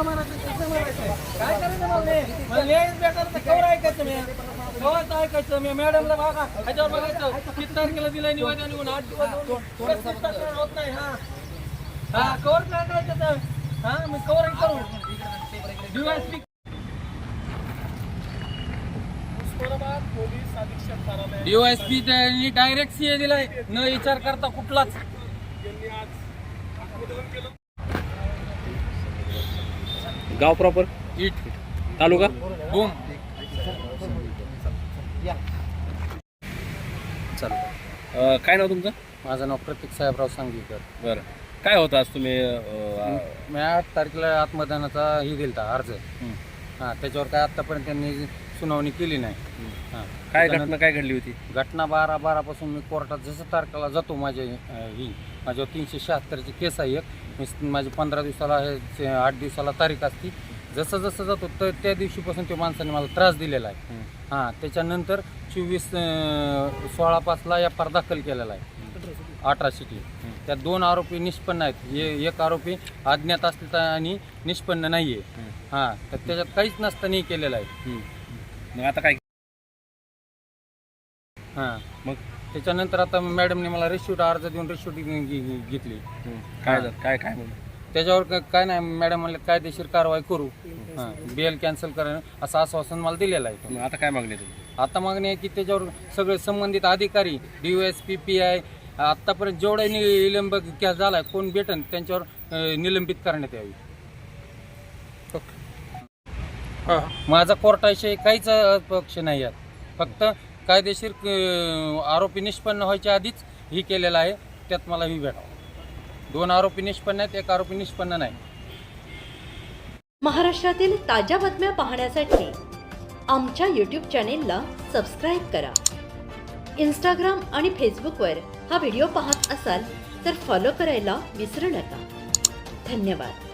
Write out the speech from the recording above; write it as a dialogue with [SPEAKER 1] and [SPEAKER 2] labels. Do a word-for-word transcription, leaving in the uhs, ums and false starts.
[SPEAKER 1] म्हणायचं कसं म्हणायचं काय करायचं मग मी मला न्यायच भेटायला तर कवर ऐकायचं मी कवर ऐकायचं मी मॅडमला बघा ह्याच्यावर बघायचं किती तारखेला दिलं निवेदन येऊन आठ दिवस पस्तीस तारखेला होत नाही हा हा कवर काय करायचं तर हा मी कवर करू डीवायएसपी
[SPEAKER 2] पोलीस अधीक्षक कार्यालय
[SPEAKER 1] डीवायएसपी त्यांनी डायरेक्ट सीए दिलाय न विचार करता कुठलाच
[SPEAKER 2] यांनी आज आत्मदहन केलं.
[SPEAKER 3] गाव प्रॉपर
[SPEAKER 1] इट
[SPEAKER 3] तालुका
[SPEAKER 1] बूम
[SPEAKER 3] चालू काय नाव तुमचं?
[SPEAKER 4] माझं नाव प्रतीक साहेबराव सांगलीकर.
[SPEAKER 3] बरं काय होतं आज तुम्ही अं,
[SPEAKER 4] मी आठ तारखेला आत्मदानाचा ही दिलता अर्ज. हां त्याच्यावर काय आत्तापर्यंत त्यांनी सुनावणी केली नाही. हां
[SPEAKER 3] काय घटना काय घडली होती?
[SPEAKER 4] घटना बारा बारापासून मी कोर्टात जसं तारखेला जातो माझे ही माझ्यावर तीनशे शहात्तरची केस आहे एक मी माझी पंधरा दिवसाला आहे आठ दिवसाला तारीख असती जसं जसं जातो तर त्या दिवशीपासून त्या माणसाने मला त्रास दिलेला आहे. हां त्याच्यानंतर चोवीस सोळा पाचला एफ आर दाखल केलेला आहे अठरा सिटी. त्यात दोन आरोपी निष्पन्न आहेत एक आरोपी अज्ञात असले आणि निष्पन्न नाही आहे. हां तर त्याच्यात काहीच नसताना केलेलं आहे.
[SPEAKER 3] मग आता काय?
[SPEAKER 4] हां
[SPEAKER 3] मग
[SPEAKER 4] त्याच्यानंतर आता मॅडमने मला रिश्यूट अर्ज देऊन रिश्यूट घेतली.
[SPEAKER 3] काय झालं काय काय म्हणून?
[SPEAKER 4] त्याच्यावर काय नाही मॅडम म्हणले कायदेशीर कारवाई करू हां बेल कॅन्सल करा असं आश्वासन मला दिलेलं आहे.
[SPEAKER 3] मग आता काय मागणी तुम्ही?
[SPEAKER 4] आता मागणी आहे की त्याच्यावर सगळे संबंधित अधिकारी D O S P P I आत्तापर्यंत जेवढा निलंब केस झाला आहे कोण भेटन त्यांच्यावर निलंबित करण्यात यावी. माझा कोर्टाविषयी काहीच पक्ष नाही आहे फक्त कायदेशीर आरोपी निष्पन्न व्हायच्या आधीच ही केलेलं आहे त्यात मला ही भेटावं. दोन आरोपी निष्पन्न आहेत एक आरोपी निष्पन्न नाही.
[SPEAKER 5] महाराष्ट्रातील ताज्या बातम्या पाहण्यासाठी आमच्या यूट्यूब चॅनेलला सबस्क्राईब करा. इंस्टाग्राम आणि फेसबुकवर हा व्हिडिओ पाहत असाल तर फॉलो करायला विसरू नका. धन्यवाद.